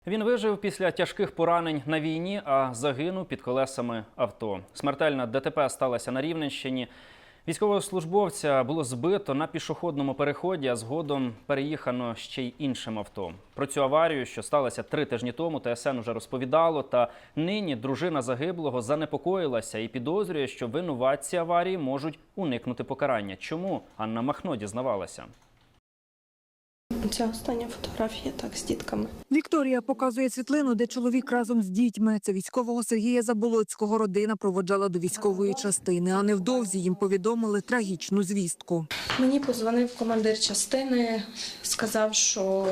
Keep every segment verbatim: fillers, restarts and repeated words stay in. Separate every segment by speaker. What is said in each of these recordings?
Speaker 1: Він вижив після тяжких поранень на війні, а загинув під колесами авто. Смертельна ДТП сталася на Рівненщині. Військовослужбовця було збито на пішохідному переході, а згодом переїхано ще й іншим авто. Про цю аварію, що сталася три тижні тому, ТСН уже розповідало. Та нині дружина загиблого занепокоїлася і підозрює, що винуватці аварії можуть уникнути покарання. Чому? Анна Махно дізнавалася.
Speaker 2: Це остання фотографія, так, з дітками.
Speaker 3: Вікторія показує світлину, де чоловік разом з дітьми. Це військового Сергія Заболоцького родина проводжала до військової частини, а невдовзі їм повідомили трагічну звістку.
Speaker 2: Мені подзвонив командир частини, сказав, що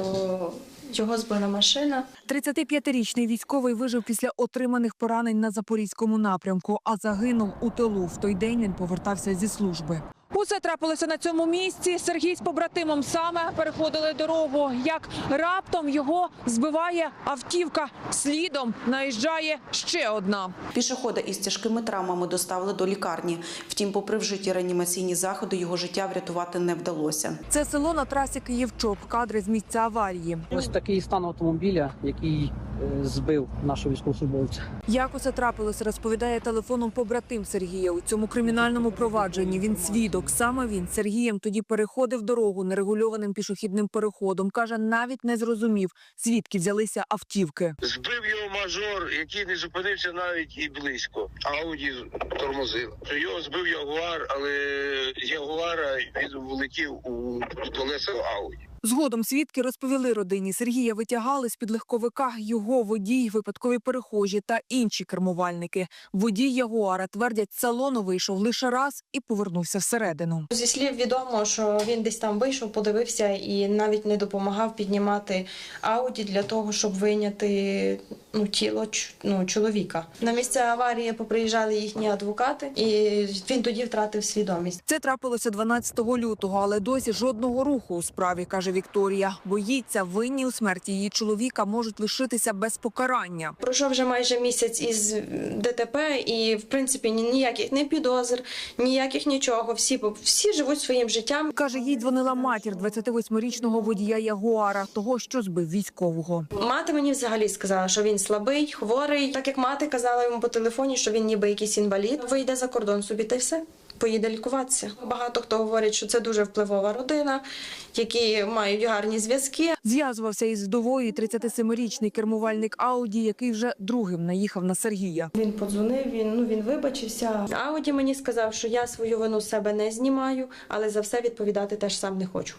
Speaker 2: його збила машина.
Speaker 3: тридцятип'ятирічний військовий вижив після отриманих поранень на Запорізькому напрямку, а загинув у тилу. В той день він повертався зі служби. Усе трапилося на цьому місці. Сергій з побратимом саме переходили дорогу. Як раптом його збиває автівка. Слідом наїжджає ще одна.
Speaker 4: Пішохода із тяжкими травмами доставили до лікарні. Втім, попри вжиті реанімаційні заходи, його життя врятувати не вдалося.
Speaker 3: Це село на трасі Київ-Чоп. Кадри з місця аварії.
Speaker 5: Ось такий стан автомобіля, який збив нашого військовослужбовця.
Speaker 3: Як усе трапилося, розповідає телефоном побратим Сергія. У цьому кримінальному провадженні він свідок. Саме він з Сергієм тоді переходив дорогу нерегульованим пішохідним переходом. Каже, навіть не зрозумів, звідки взялися автівки.
Speaker 6: Збив його мажор, який не зупинився навіть і близько. Ауді тормозив. Його збив Ягуар, але з Ягуара він влетів у колеса Ауді.
Speaker 3: Згодом свідки розповіли родині. Сергія витягали з-під легковика його водій, випадкові перехожі та інші кермувальники. Водій Ягуара, твердять, з салону вийшов лише раз і повернувся всередину.
Speaker 2: Зі слів відомо, що він десь там вийшов, подивився і навіть не допомагав піднімати Ауді для того, щоб вийняти ну, тіло ну, чоловіка. На місце аварії поприїжджали їхні адвокати, і він тоді втратив свідомість.
Speaker 3: Це трапилося дванадцятого лютого, але досі жодного руху у справі, каже Вікторія. Боїться, винні у смерті її чоловіка можуть лишитися без покарання.
Speaker 2: Пройшов вже майже місяць із ДТП і, в принципі, ніяких не підозр, ніяких нічого. Всі, всі живуть своїм життям.
Speaker 3: Каже, їй дзвонила матір двадцятивосьмирічного водія Ягуара, того, що збив військового.
Speaker 2: Мати мені взагалі сказала, що він слабий, хворий. Так як мати казала йому по телефоні, що він ніби якийсь інвалід. Вийде за кордон собі та й все. Поїде лікуватися. Багато хто говорить, що це дуже впливова родина, які мають гарні зв'язки.
Speaker 3: Зв'язувався із вдовою тридцятисемирічний кермувальник Ауді, який вже другим наїхав на Сергія.
Speaker 2: Він подзвонив, він, ну, він вибачився. Ауді мені сказав, що я свою вину з себе не знімаю, але за все відповідати теж сам не хочу.